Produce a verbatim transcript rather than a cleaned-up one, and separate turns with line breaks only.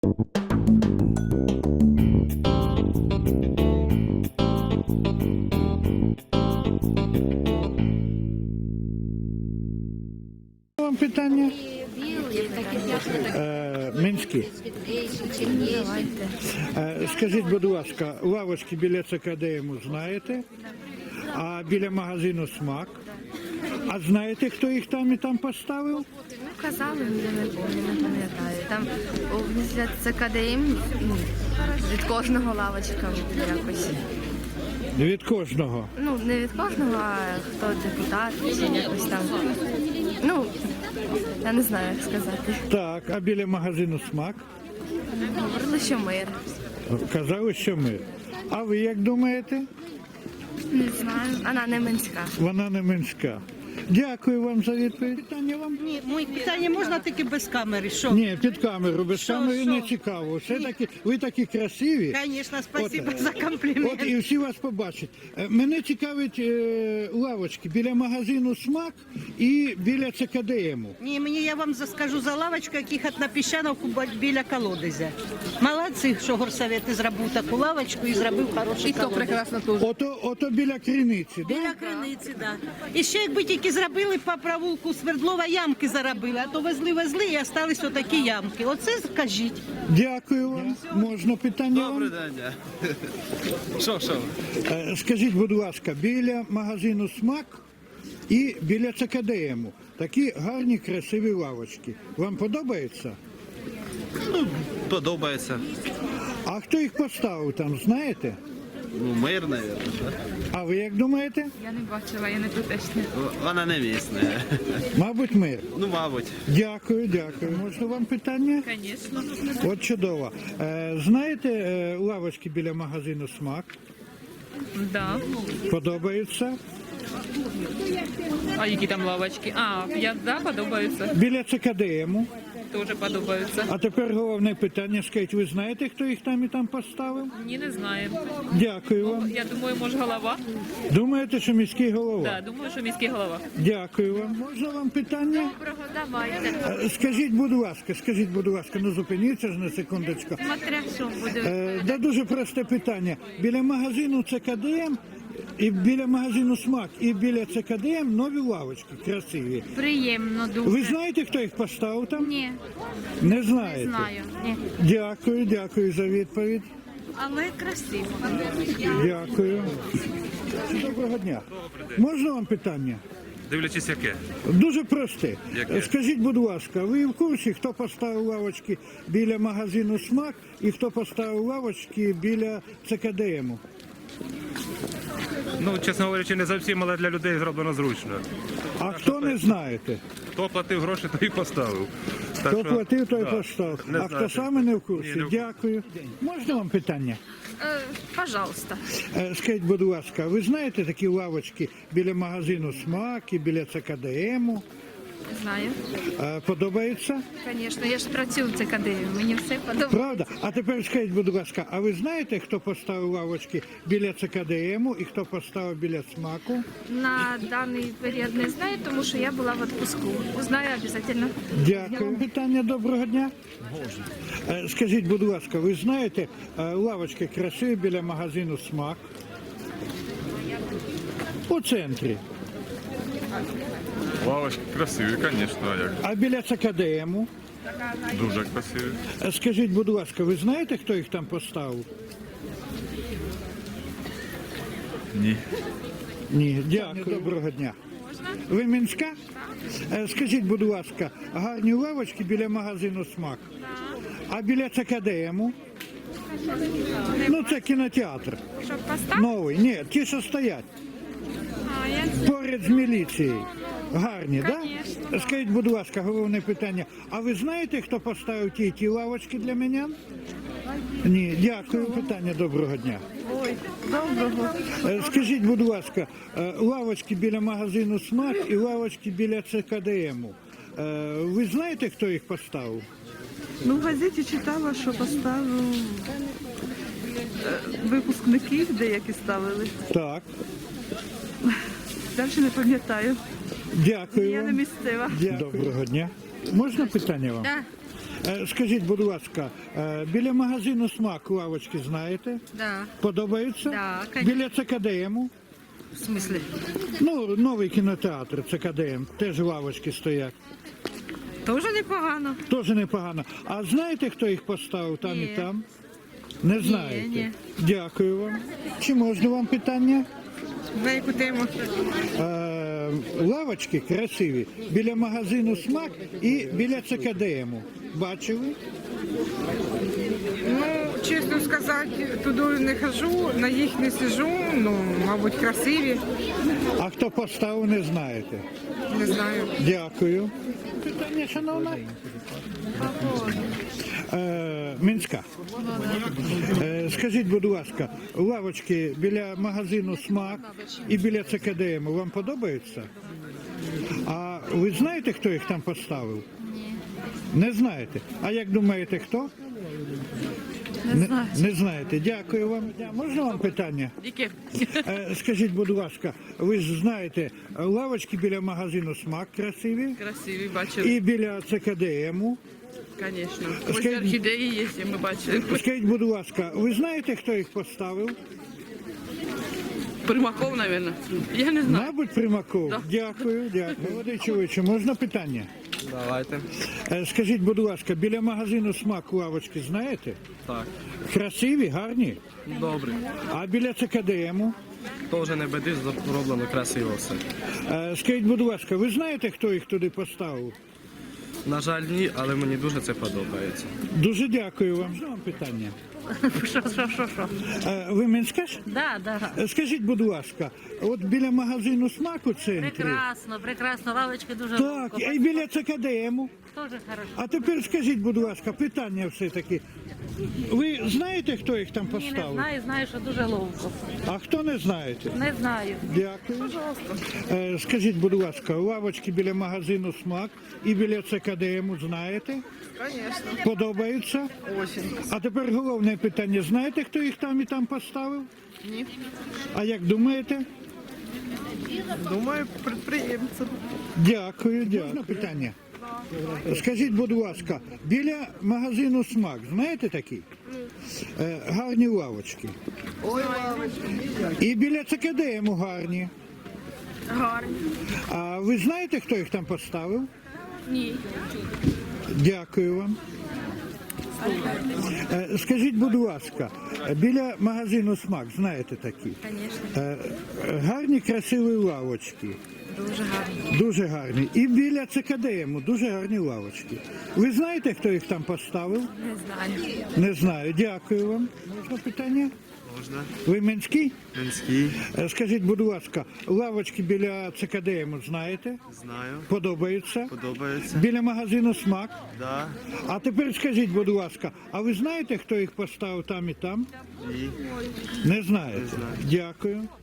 Вам питання? Е, Минські. Е, Скажіть, будь ласка, лавочки біля ЦКДМу знаєте? А біля магазину «Смак»? А знаєте, хто їх там і там поставив?
Казали, я не пам'ятаю, не пам'ятаю. Там після ЦКДМ ну, від кожного лавочка якось.
Від кожного.
Ну, не від кожного, а хто депутат, чи якось там. Ну, я не знаю, як сказати.
Так, а біля магазину «Смак»?
Говорили, що мир.
Казали, що ми. А ви як думаєте?
Не знаю. Вона не Минська.
Вона не Минська. Дякую вам за відповідь. Питання вам?
Ні, моє питання можна тільки без камери. Що?
Ні, під камеру, без
Що,
камери
що?
не цікаво. Все таки, ви такі красиві.
Звісно, спасибо
От,
за комплімент.
От і всі вас побачать. Е, Мене цікавить е, лавочки біля магазину «Смак» і біля ЦКДМу.
Ні, мені я вам скажу за лавочку, яких на Піщановку біля колодязя. Молодці, що горсовет зробив таку лавочку і зробив хороший колодязь.
Ото, ото біля криниці,
Біля
да?
криниці, так. Да. І ще якби тільки зробили по провулку Свердлова ямки заробили, а то везли-везли і остались отакі ямки. Оце скажіть.
Дякую вам. Можна питання
Добрий
вам?
день. Що, що?
Е, Скажіть, будь ласка, біля магазину «Смак» і біля ЦКДМу такі гарні, красиві лавочки. Вам подобається?
Ну, подобається.
А хто їх поставив там, знаєте?
Ну, мир, мабуть.
А ви як думаєте?
Я не бачила, я не тутешня.
Вона не місна.
Мабуть, мир.
Ну, мабуть.
Дякую, дякую. Можна вам питання?
Звісно.
От чудово. Е, знаєте е, лавочки біля магазину «Смак»?
Да.
Подобаються?
А які там лавочки? А, я да, подобаються.
Біля ЦКДМу.
Теж подобаються.
А тепер головне питання. Скажіть, ви знаєте, хто їх там і там поставив?
Ні, не знаю.
Дякую вам.
Я думаю, може голова?
Думаєте, що міський голова?
Да, думаю, що міський голова.
Дякую вам. Можна вам питання?
Доброго, давайте.
Е, Скажіть, будь ласка, скажіть, будь ласка, ну зупиніться ж на секундочку.
Смотря що буде.
Е, да дуже просте питання. Біля магазину ЦКДМ і біля магазину «Смак» і біля ЦКДМ нові лавочки красиві.
Приємно дуже.
Ви знаєте, хто їх поставив там?
Ні,
Не знаєте?
не знаю. Ні.
Дякую, дякую за відповідь.
Але красиво.
Дякую. Доброго дня. Можна вам питання?
Дивлячись, яке.
Дуже просте.
Яке?
Скажіть, будь ласка, ви в курсі, хто поставив лавочки біля магазину «Смак» і хто поставив лавочки біля ЦКДМу?
Ну, чесно говорячи, не зовсім, але для людей зроблено зручно.
А хто не знаєте?
Хто платив гроші, той і поставив. Так
Хто
що,
платив, той
да,
поставив.
не
А
знаю.
хто саме не в курсі?
Ні, не в курсі.
Дякую. Можна вам питання?
Е, пожалуйста.
Е, Скажіть, будь ласка, ви знаєте такі лавочки біля магазину «Смак» і біля ЦКДМу?
Знаю.
Е, Подобається?
Звісно, я ж працюю в ЦКД, мені все подобається.
Правда? А тепер скажіть, будь ласка, а ви знаєте, хто поставив лавочки біля ЦКДМу і хто поставив біля «Смаку»?
На даний період не знаю, тому що я була в відпуску. Узнаю обов'язково.
Дякую. Питання доброго дня. Е, Скажіть, будь ласка, ви знаєте е, лавочки красиві біля магазину «Смак»? У центрі.
Лавочки красиві, звісно, а як?
А біля ЦКДМу?
Дуже красиві.
Е, Скажіть, будь ласка, ви знаєте, хто їх там поставив?
Ні.
Ні, дякую. Доброго дня. Ви Мінська? Е, Скажіть, будь ласка, гарні лавочки біля магазину «Смак». А біля ЦКДМу? Ну, це кінотеатр.
Щоб поставити?
Новий. Ні, ті, що стоять.
А, я
Поряд з міліцією. Гарні, так?
Конечно.
Да? Скажіть, будь ласка, головне питання. А ви знаєте, хто поставив ті ті лавочки для мене? Ні, дякую. Питання доброго дня.
Ой, доброго.
Е, Скажіть, будь ласка, е, лавочки біля магазину «Смак» і лавочки біля ЦКДМу. Е, Ви знаєте, хто їх поставив?
Ну, в газеті читала, що поставив е, випускників деякі ставили.
Так.
Далі не пам'ятаю.
Дякую
Я не
вам.
місцева.
Дякую. Доброго дня. Можна питання вам?
Да.
Е, Скажіть, будь ласка, е, біля магазину «Смак» лавочки знаєте?
Да.
Подобаються?
Да, конечно.
Біля ЦКДМу?
В смысле?
Ну, новий кінотеатр ЦКДМ, теж лавочки стоять.
Тоже непогано.
Теж непогано. А знаєте, хто їх поставив там
Ні.
і там? Не знаєте?
ні.
Дякую вам. Чи можна вам питання?
На яку тему?
Е, лавочки красиві біля магазину «Смак» і біля ЦКДМу. Бачили?
Ну, чесно сказати, туди не хожу, на їх не сижу, ну, мабуть, красиві,
А хто поставив, не знаєте.
не знаю.
Дякую. Питання, шановна? Е, Мінська. Е, скажіть, будь ласка, лавочки біля магазину «Смак» і біля ЦКДМ вам подобаються? А ви знаєте, хто їх там поставив? Ні. Не знаєте? А як думаєте, хто? Не, знаю. Не знаєте. Дякую вам. Можна вам питання?
Яке?
Е, скажіть, будь ласка, ви ж знаєте, лавочки біля магазину «Смак» красиві
Красиві, бачили,
і біля ЦКДМу.
звісно. Ось
Скажіть-
орхідеї є, ми бачили.
Скажіть, будь ласка, ви знаєте, хто їх поставив?
Примаков, мабуть. Я не знаю.
Мабуть, Примаков.
Да.
Дякую, дякую. Молодий чоловіче, можна питання?
Давайте.
Е, Скажіть, будь ласка, біля магазину «Смак» лавочки знаєте?
Так.
Красиві, гарні?
Добре.
А біля ЦКДМу?
Теж не беди, зроблено красиво все.
Е, Скажіть, будь ласка, ви знаєте, хто їх туди поставив?
На жаль, ні, але мені дуже це подобається.
Дуже дякую вам. Можна вам питання?
Що, що, що, що?
Е, Ви Мінська ж?
Да, да.
Е, Скажіть, будь ласка, от біля магазину «Смак» у центрі.
Прекрасно, прекрасно. Лавочки дуже
Так, і біля ЦКДМу.
Тоже хорошо.
А тепер скажіть, будь ласка, питання все-таки. Ви знаєте, хто їх там
Ні, не
поставив?
знаю, знаю, що дуже ловко.
А хто не знаєте?
Не знаю.
Дякую. Е, Скажіть, будь ласка, лавочки біля магазину «Смак» і біля ЦКДМу знаєте?
Звісно.
Подобаються?
Очень.
А тепер головне питання. Знаєте, хто їх там і там поставив?
Ні.
А як думаєте?
Думаю, підприємці.
Дякую, дякую. Можна питання? Скажіть, будь ласка, біля магазину «Смак» знаєте такий? Е, гарні лавочки.
Ой, лавочки.
І біля ЦКДМу гарні.
Гарні.
А ви знаєте, хто їх там поставив?
Ні.
Дякую вам. Е, Скажіть, будь ласка, біля магазину «Смак» знаєте такі?
Звісно.
Е, Гарні, красиві лавочки.
Дуже гарні.
Дуже гарні. І біля ЦКДМу дуже гарні лавочки. Ви знаєте, хто їх там поставив?
Не знаю.
Не знаю. Дякую вам. Можна питання?
Можна.
Ви Мінський?
Мінський.
Е, Скажіть, будь ласка, лавочки біля ЦКДМу знаєте?
Знаю.
Подобаються?
Подобається.
Біля магазину «Смак».
Да.
А тепер скажіть, будь ласка, а ви знаєте, хто їх поставив там і там?
Ні.
Не знаєте?
Не знаю.
Дякую.